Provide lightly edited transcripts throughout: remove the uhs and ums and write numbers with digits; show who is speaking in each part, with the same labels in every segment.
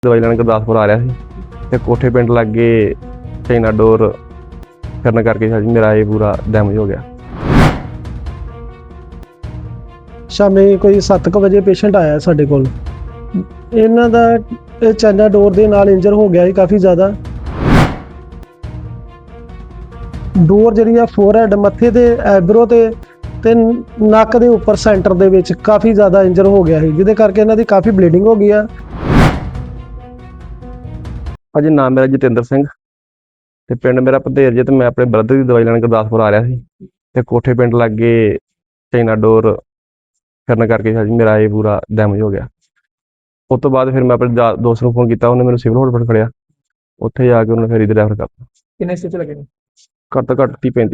Speaker 1: ਦਵਾਈ ਲੈਣ ਗੁਰਦਾਸਪੁਰ ਆ ਰਿਹਾ ਸੀ ਤੇ ਕੋਠੇ ਪਿੰਡ ਲਾਗੇ ਚਾਈਨਾ ਡੋਰ ਕਰਨ ਕਰਕੇ ਮੇਰਾ ਇਹ ਪੂਰਾ ਡੈਮੇਜ ਹੋ ਗਿਆ।
Speaker 2: ਸ਼ਾਮੀ ਕੋਈ 7:00 ਵਜੇ ਪੇਸ਼ੈਂਟ ਆਇਆ ਸਾਡੇ ਕੋਲ। ਇਹਨਾਂ ਦਾ ਚਾਈਨਾ ਡੋਰ ਦੇ ਨਾਲ ਇੰਜਰ ਹੋ ਗਿਆ ਸੀ ਕਾਫੀ ਜ਼ਿਆਦਾ। ਡੋਰ ਜਿਹੜੀ ਆ ਫੋਰਹੈਡ ਮੱਥੇ ਤੇ ਐਬਰੋ ਤੇ ਨੱਕ ਦੇ ਉੱਪਰ ਸੈਂਟਰ ਦੇ ਵਿੱਚ ਕਾਫੀ ਜ਼ਿਆਦਾ ਇੰਜਰ ਹੋ ਗਿਆ ਸੀ, ਜਿਹਦੇ ਕਰਕੇ ਇਹਨਾਂ ਦੀ ਕਾਫੀ ਬਲੀਡਿੰਗ ਹੋ ਗਈ ਆ।
Speaker 1: ਭਾਜੀ ਨਾਮ ਮੇਰਾ ਜਤਿੰਦਰ ਸਿੰਘ ਤੇ ਪਿੰਡ ਮੇਰਾ ਭਦੇਰ ਜੇ ਤੇ ਮੈਂ ਆਪਣੇ ਬ੍ਰਦਰ ਦੀ ਦਵਾਈ ਲੈਣ ਗੁਰਦਾਸਪੁਰ ਆ ਰਿਹਾ ਸੀ ਤੇ ਕੋਠੇ ਪਿੰਡ ਲਾਗੇ ਚਾਈਨਾ ਡੋਰ ਕਰਨ ਕਰਕੇ ਮੇਰਾ ਇਹ ਪੂਰਾ ਡੈਮੇਜ ਹੋ ਗਿਆ। ਉਸ ਤੋਂ ਬਾਅਦ ਫਿਰ ਮੈਂ ਆਪਣੇ ਦੋਸਤ ਨੂੰ ਫੋਨ ਕੀਤਾ, ਉਹਨੇ ਮੈਨੂੰ ਸਿਵਲ ਹਸਪਤਾਲ ਖੜਿਆ। ਉੱਥੇ ਜਾ ਕੇ ਉਹਨੇ ਫਿਰ ਇਹਦੇ ਰੈਫਰ ਕਰਤਾ।
Speaker 3: ਕਿੰਨੇ ਸਟਿਚ ਲੱਗੇ ਨੇ?
Speaker 1: ਘੱਟ ਤੋਂ ਘੱਟ 30-35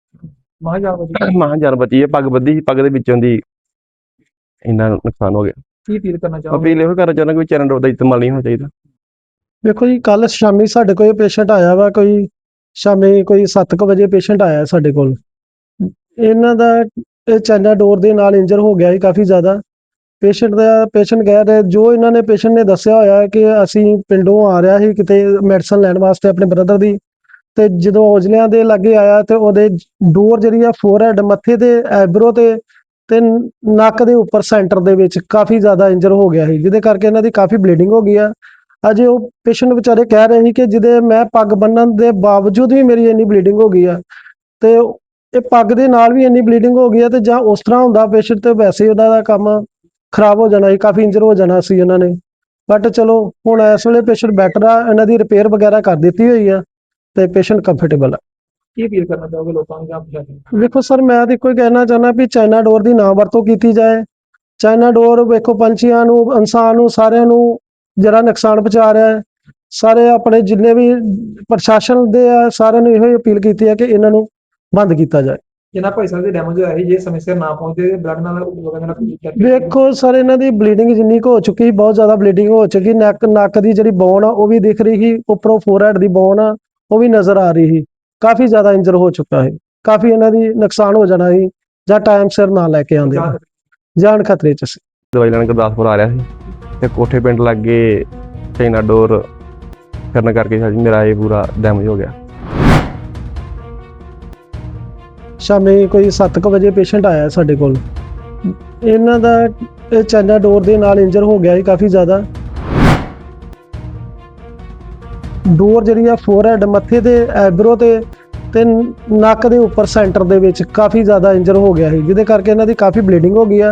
Speaker 3: ਮਹਾਂ
Speaker 1: ਜਾਨ ਬਚੀ ਹੈ। ਪੱਗ ਬੱਧੀ ਸੀ, ਪੱਗ ਦੇ ਵਿੱਚੋਂ ਦੀ ਇੰਨਾ ਨੁਕਸਾਨ ਹੋ ਗਿਆ।
Speaker 3: ਕੀ ਅਪੀਲ ਕਰਨਾ ਚਾਹੋਗੇ?
Speaker 1: ਅਪੀਲ ਇਹੋ ਕਰਨਾ ਚਾਹੁੰਦਾ ਕਿ ਚਾਈਨਾ ਡੋਰ ਦਾ ਇਸਤੇਮਾਲ ਨਹੀਂ ਹੋਣਾ ਚਾਹੀਦਾ।
Speaker 2: ਵੇਖੋ ਜੀ, ਕੱਲ ਸ਼ਾਮੀ ਸਾਡੇ ਕੋਲ ਪੇਸ਼ੈਂਟ ਆਇਆ ਵਾ, ਸ਼ਾਮੀ ਕੋਈ 7:00 ਵਜੇ ਪੇਸ਼ੈਂਟ ਆਇਆ ਸਾਡੇ ਕੋਲ। ਇਹਨਾਂ ਦਾ ਚਾਈਨਾ ਡੋਰ ਦੇ ਨਾਲ ਇੰਜਰ ਹੋ ਗਿਆ ਸੀ ਕਾਫੀ ਜ਼ਿਆਦਾ। ਪੇਸ਼ੈਂਟ ਕਹਿ ਰਿਹਾ, ਜੋ ਇਹਨਾਂ ਨੇ ਪੇਸ਼ੈਂਟ ਨੇ ਦੱਸਿਆ ਹੋਇਆ ਕਿ ਅਸੀਂ ਪਿੰਡੋਂ ਆ ਰਿਹਾ ਸੀ ਕਿਤੇ ਮੈਡੀਸਨ ਲੈਣ ਵਾਸਤੇ ਆਪਣੇ ਬ੍ਰਦਰ ਦੀ, ਤੇ ਜਦੋਂ ਔਜਲਿਆਂ ਦੇ ਲਾਗੇ ਆਇਆ ਤੇ ਉਹਦੇ ਡੋਰ ਜਿਹੜੀ ਆ ਫੋਰਹੈਡ ਮੱਥੇ ਤੇ ਐਬਰੋ ਤੇ ਨੱਕ ਦੇ ਉੱਪਰ ਸੈਂਟਰ ਦੇ ਵਿੱਚ ਕਾਫੀ ਜ਼ਿਆਦਾ ਇੰਜਰ ਹੋ ਗਿਆ ਸੀ, ਜਿਹਦੇ ਕਰਕੇ ਇਹਨਾਂ ਦੀ ਕਾਫੀ ਬਲੀਡਿੰਗ ਹੋ ਗਈ ਆ। ਅਜੇ ਉਹ ਪੇਸ਼ੈਂਟ ਵਿਚਾਰੇ ਕਹਿ ਰਹੇ ਸੀ ਕਿ ਜਿਹਦੇ ਮੈਂ ਪੱਗ ਬੰਨਣ ਦੇ ਬਾਵਜੂਦ ਵੀ ਮੇਰੀ ਇੰਨੀ ਬਲੀਡਿੰਗ ਹੋ ਗਈ ਆ, ਤੇ ਇਹ ਪੱਗ ਦੇ ਨਾਲ ਵੀ ਇੰਨੀ ਬਲੀਡਿੰਗ ਹੋ ਗਈ ਆ, ਤੇ ਜਾਂ ਉਸ ਤਰ੍ਹਾਂ ਹੁੰਦਾ ਪੇਸ਼ੈਂਟ ਤੇ ਵੈਸੇ ਹੀ ਉਹਦਾ ਕੰਮ ਖਰਾਬ ਹੋ ਜਾਣਾ ਸੀ, ਕਾਫੀ ਇੰਜਰ ਹੋ ਜਾਣਾ ਸੀ ਉਹਨਾਂ ਨੇ। ਬਟ ਚਲੋ ਹੁਣ ਇਸ ਵੇਲੇ ਪੇਸ਼ੈਂਟ ਬੈਟਰ ਆ, ਇਹਨਾਂ ਦੀ ਰਿਪੇਅਰ ਵਗੈਰਾ ਕਰ ਦਿੱਤੀ ਹੋਈ ਆ ਤੇ ਪੇਸ਼ੈਂਟ ਕੰਫਰਟੇਬਲ ਆ।
Speaker 3: ਕੀ ਅਪੀਲ ਕਰਨਾ ਚਾਹੋਗੇ ਲੋਕਾਂ ਨੂੰ ਜਾਂ ਪ੍ਰਸ਼ਾਸਨ ਨੂੰ?
Speaker 2: ਵੇਖੋ ਸਰ, ਮੈਂ ਤਾਂ ਇੱਕੋ ਹੀ ਕਹਿਣਾ ਚਾਹੁੰਦਾ ਵੀ ਚਾਈਨਾ ਡੋਰ ਦੀ ਨਾ ਵਰਤੋਂ ਕੀਤੀ ਜਾਏ। ਚਾਈਨਾ ਡੋਰ ਵੇਖੋ ਪੰਛੀਆਂ ਨੂੰ, ਇਨਸਾਨ ਨੂੰ, ਸਾਰਿਆਂ ਨੂੰ ਜਿਹੜਾ ਨੁਕਸਾਨ ਪਹੁੰਚਾ ਰਿਹਾ ਹੈ। ਸਾਰੇ ਆਪਣੇ ਜਿੰਨੇ ਵੀ ਪ੍ਰਸ਼ਾਸਨ ਦੇ ਆ, ਸਾਰਿਆਂ ਨੂੰ ਇਹੋ ਹੀ ਅਪੀਲ ਕੀਤੀ ਹੈ ਕਿ ਇਹਨਾਂ ਨੂੰ ਬੰਦ ਕੀਤਾ ਜਾਏ।
Speaker 3: ਜਿਨ੍ਹਾਂ ਭਾਈ ਸਾਹਿਬ ਦੇ ਡੈਮੇਜ ਹੋਇਆ ਸੀ, ਜੇ ਸਮੇਂ ਸਿਰ ਨਾ ਪਹੁੰਚਦੇ ਬਲੱਡ ਨਾਲ ਲੋਕਾਂ ਨਾਲ
Speaker 2: ਵੇਖੋ ਸਰ, ਇਹਨਾਂ ਦੀ ਬਲੀਡਿੰਗ ਜਿੰਨੀ ਕੁ ਹੋ ਚੁੱਕੀ ਸੀ, ਬਹੁਤ ਜ਼ਿਆਦਾ ਬਲੀਡਿੰਗ ਹੋ ਚੁੱਕੀ। ਨੱਕ ਦੀ ਜਿਹੜੀ ਬੋਨ ਆ ਉਹ ਵੀ ਦਿਖ ਰਹੀ ਸੀ, ਉੱਪਰੋਂ ਫੋਰਹੈਡ ਦੀ ਬੋਨ ਆ ਉਹ ਵੀ ਨਜ਼ਰ ਆ ਰਹੀ ਸੀ। ਕਾਫੀ ਜ਼ਿਆਦਾ ਇੰਜਰ ਹੋ ਚੁੱਕਾ ਹੈ, ਕਾਫੀ ਇਹਨਾਂ ਦੀ ਨੁਕਸਾਨ ਹੋ ਜਾਣਾ ਸੀ ਜਾਂ ਟਾਈਮ ਸਿਰ ਨਾ ਲੈ ਕੇ ਆਉਂਦੇ, ਜਾਨ ਖਤਰੇ 'ਚ ਸੀ।
Speaker 1: ਦਵਾਈ ਲੈਣ ਗੁਰਦਾਸਪੁਰ ਆ ਰਿਹਾ ਸੀ ਤੇ ਕੋਠੇ ਪਿੰਡ ਲਾਗੇ ਚਾਈਨਾ ਡੋਰ ਕਰਨ ਕਰਕੇ ਮੇਰਾ ਇਹ ਪੂਰਾ ਡੈਮੇਜ ਹੋ ਗਿਆ।
Speaker 2: ਸ਼ਾਮੀ ਕੋਈ 7:00 ਵਜੇ ਪੇਸ਼ੈਂਟ ਆਇਆ ਸਾਡੇ ਕੋਲ। ਇਹਨਾਂ ਦਾ ਚਾਈਨਾ ਡੋਰ ਦੇ ਨਾਲ ਇੰਜਰ ਹੋ ਗਿਆ ਸੀ ਕਾਫੀ ਜ਼ਿਆਦਾ। ਡੋਰ ਜਿਹੜੀ ਆ ਫੋਰਹੈਡ ਮੱਥੇ ਤੇ ਐਬਰੋ ਤੇ ਨੱਕ ਦੇ ਉੱਪਰ ਸੈਂਟਰ ਦੇ ਵਿੱਚ ਕਾਫੀ ਜ਼ਿਆਦਾ ਇੰਜਰ ਹੋ ਗਿਆ ਸੀ, ਜਿਹਦੇ ਕਰਕੇ ਇਹਨਾਂ ਦੀ ਕਾਫੀ ਬਲੀਡਿੰਗ ਹੋ ਗਈ ਆ।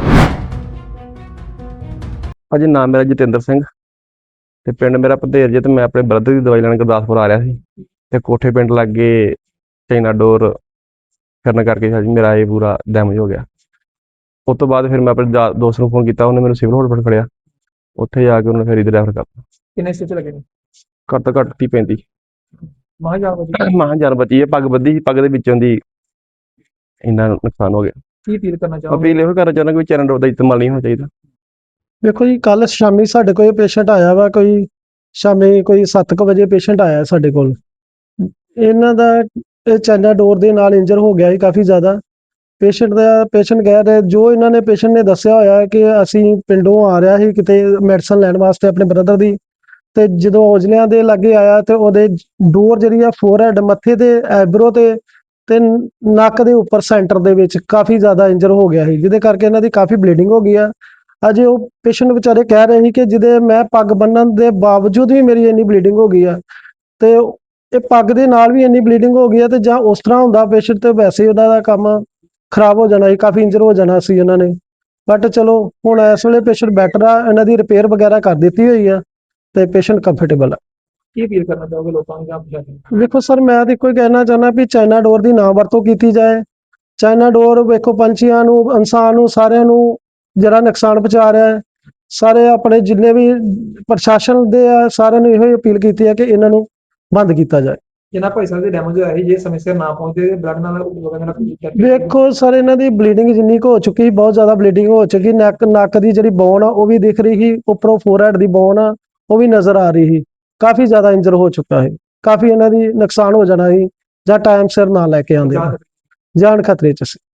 Speaker 1: ਭਾਜੀ ਨਾਮ ਮੇਰਾ ਜਤਿੰਦਰ ਸਿੰਘ ਤੇ ਪਿੰਡ ਮੇਰਾ ਭਦੇਰ ਜੇ ਤੇ ਮੈਂ ਆਪਣੇ ਬ੍ਰਦਰ ਦੀ ਦਵਾਈ ਲੈਣ ਗੁਰਦਾਸਪੁਰ ਆ ਰਿਹਾ ਸੀ ਤੇ ਕੋਠੇ ਪਿੰਡ ਲਾਗੇ ਚਾਈਨਾ ਡੋਰ ਕਰਨ ਕਰਕੇ ਮੇਰਾ ਇਹ ਪੂਰਾ ਡੈਮੇਜ ਹੋ ਗਿਆ। ਉਸ ਤੋਂ ਬਾਅਦ ਫਿਰ ਮੈਂ ਆਪਣੇ ਦੋਸਤ ਨੂੰ ਫੋਨ ਕੀਤਾ, ਉਹਨੇ ਮੈਨੂੰ ਸਿਵਲ ਹਸਪਤਾਲ ਖੜਿਆ। ਉੱਥੇ ਜਾ ਕੇ ਉਹਨੇ ਫਿਰ ਇਹਦੇ ਰੈਫਰ ਕਰਤਾ।
Speaker 3: ਕਿੰਨੇ ਸਟਿਚ ਲੱਗੇ ਨੇ?
Speaker 1: ਘੱਟ ਤੋਂ ਘੱਟ 30-35
Speaker 3: ਮਹਾਂ
Speaker 1: ਜਾਨ ਬਚੀ ਹੈ। ਪੱਗ ਬੱਧੀ ਸੀ, ਪੱਗ ਦੇ ਵਿੱਚੋਂ ਦੀ ਇੰਨਾ ਨੁਕਸਾਨ ਹੋ ਗਿਆ।
Speaker 3: ਕੀ ਅਪੀਲ ਕਰਨਾ ਚਾਹੋਗੇ?
Speaker 1: ਅਪੀਲ ਇਹੋ ਕਰਨਾ ਚਾਹੁੰਦਾ ਕਿ ਚਾਈਨਾ ਡੋਰ ਦਾ ਇਸਤੇਮਾਲ ਨਹੀਂ ਹੋਣਾ ਚਾਹੀਦਾ।
Speaker 2: ਵੇਖੋ ਜੀ, ਕੱਲ ਸ਼ਾਮੀ ਸਾਡੇ ਕੋਲ ਪੇਸ਼ੈਂਟ ਆਇਆ ਵਾ, ਸ਼ਾਮੀ ਕੋਈ 7:00 ਵਜੇ ਪੇਸ਼ੈਂਟ ਆਇਆ ਸਾਡੇ ਕੋਲ। ਇਹਨਾਂ ਦਾ ਚਾਈਨਾ ਡੋਰ ਦੇ ਨਾਲ ਇੰਜਰ ਹੋ ਗਿਆ ਸੀ ਕਾਫੀ ਜ਼ਿਆਦਾ। ਪੇਸ਼ੈਂਟ ਕਹਿ ਰਿਹਾ, ਜੋ ਇਹਨਾਂ ਨੇ ਪੇਸ਼ੈਂਟ ਨੇ ਦੱਸਿਆ ਹੋਇਆ ਕਿ ਅਸੀਂ ਪਿੰਡੋਂ ਆ ਰਿਹਾ ਸੀ ਕਿਤੇ ਮੈਡੀਸਨ ਲੈਣ ਵਾਸਤੇ ਆਪਣੇ ਬ੍ਰਦਰ ਦੀ, ਤੇ ਜਦੋਂ ਔਜਲਿਆਂ ਦੇ ਲਾਗੇ ਆਇਆ ਤੇ ਉਹਦੇ ਡੋਰ ਜਿਹੜੀ ਆ ਫੋਰਹੈਡ ਮੱਥੇ ਤੇ ਐਬਰੋ ਤੇ ਨੱਕ ਦੇ ਉੱਪਰ ਸੈਂਟਰ ਦੇ ਵਿੱਚ ਕਾਫੀ ਜ਼ਿਆਦਾ ਇੰਜਰ ਹੋ ਗਿਆ ਸੀ, ਜਿਹਦੇ ਕਰਕੇ ਇਹਨਾਂ ਦੀ ਕਾਫੀ ਬਲੀਡਿੰਗ ਹੋ ਗਈ ਆ। ਅਜੇ ਉਹ ਪੇਸ਼ੈਂਟ ਵਿਚਾਰੇ ਕਹਿ ਰਹੇ ਸੀ ਕਿ ਜਿਹਦੇ ਮੈਂ ਪੱਗ ਬੰਨਣ ਦੇ ਬਾਵਜੂਦ ਵੀ ਮੇਰੀ ਇੰਨੀ ਬਲੀਡਿੰਗ ਹੋ ਗਈ ਆ, ਤੇ ਇਹ ਪੱਗ ਦੇ ਨਾਲ ਵੀ ਇੰਨੀ ਬਲੀਡਿੰਗ ਹੋ ਗਈ ਆ, ਤੇ ਜਾਂ ਉਸ ਤਰ੍ਹਾਂ ਹੁੰਦਾ ਪੇਸ਼ੈਂਟ ਤੇ ਵੈਸੇ ਹੀ ਉਹਦਾ ਕੰਮ ਖਰਾਬ ਹੋ ਜਾਣਾ ਸੀ, ਕਾਫੀ ਇੰਜਰ ਹੋ ਜਾਣਾ ਸੀ ਉਹਨਾਂ ਨੇ। ਬਟ ਚਲੋ ਹੁਣ ਇਸ ਵੇਲੇ ਪੇਸ਼ੈਂਟ ਬੈਟਰ ਆ, ਇਹਨਾਂ ਦੀ ਰਿਪੇਅਰ ਵਗੈਰਾ ਕਰ ਦਿੱਤੀ ਹੋਈ ਆ ਤੇ ਪੇਸ਼ੈਂਟ ਕੰਫਰਟੇਬਲ ਆ।
Speaker 3: ਕੀ ਅਪੀਲ ਕਰਨਾ ਚਾਹੋਗੇ ਲੋਕਾਂ ਨੂੰ ਜਾਂ ਪ੍ਰਸ਼ਾਸਨ ਨੂੰ?
Speaker 2: ਵੇਖੋ ਸਰ, ਮੈਂ ਤਾਂ ਇੱਕੋ ਹੀ ਕਹਿਣਾ ਚਾਹੁੰਦਾ ਵੀ ਚਾਈਨਾ ਡੋਰ ਦੀ ਨਾ ਵਰਤੋਂ ਕੀਤੀ ਜਾਏ। ਚਾਈਨਾ ਡੋਰ ਵੇਖੋ ਪੰਛੀਆਂ ਨੂੰ, ਇਨਸਾਨ ਨੂੰ, ਸਾਰਿਆਂ ਨੂੰ ਜਿਹੜਾ ਨੁਕਸਾਨ ਪਹੁੰਚਾ ਰਿਹਾ ਹੈ। ਸਾਰੇ ਆਪਣੇ ਜਿੰਨੇ ਵੀ ਪ੍ਰਸ਼ਾਸਨ ਦੇ ਆ, ਸਾਰਿਆਂ ਨੂੰ ਇਹੋ ਹੀ ਅਪੀਲ ਕੀਤੀ ਹੈ ਕਿ ਇਹਨਾਂ ਨੂੰ ਬੰਦ ਕੀਤਾ ਜਾਏ।
Speaker 3: ਜਿਨ੍ਹਾਂ ਭਾਈ ਸਾਹਿਬ ਦੇ ਡੈਮੇਜ ਹੋਇਆ ਸੀ, ਜੇ ਸਮੇਂ ਸਿਰ ਨਾ ਪਹੁੰਚਦੇ ਬਲੱਡ ਨਾਲ ਲੋਕਾਂ ਨਾਲ
Speaker 2: ਵੇਖੋ ਸਰ, ਇਹਨਾਂ ਦੀ ਬਲੀਡਿੰਗ ਜਿੰਨੀ ਕੁ ਹੋ ਚੁੱਕੀ ਸੀ, ਬਹੁਤ ਜ਼ਿਆਦਾ ਬਲੀਡਿੰਗ ਹੋ ਚੁੱਕੀ। ਨੱਕ ਦੀ ਜਿਹੜੀ ਬੋਨ ਆ ਉਹ ਵੀ ਦਿਖ ਰਹੀ ਸੀ, ਉੱਪਰੋਂ ਫੋਰਹੈਡ ਦੀ ਬੋਨ ਆ ਉਹ ਵੀ ਨਜ਼ਰ ਆ ਰਹੀ ਸੀ। ਕਾਫੀ ਜ਼ਿਆਦਾ ਇੰਜਰ ਹੋ ਚੁੱਕਾ ਹੈ, ਕਾਫੀ ਇਹਨਾਂ ਦੀ ਨੁਕਸਾਨ ਹੋ ਜਾਣਾ ਸੀ ਜਾਂ ਟਾਈਮ ਸਿਰ ਨਾ ਲੈ ਕੇ ਆਉਂਦੇ, ਜਾਨ ਖਤਰੇ 'ਚ ਸੀ।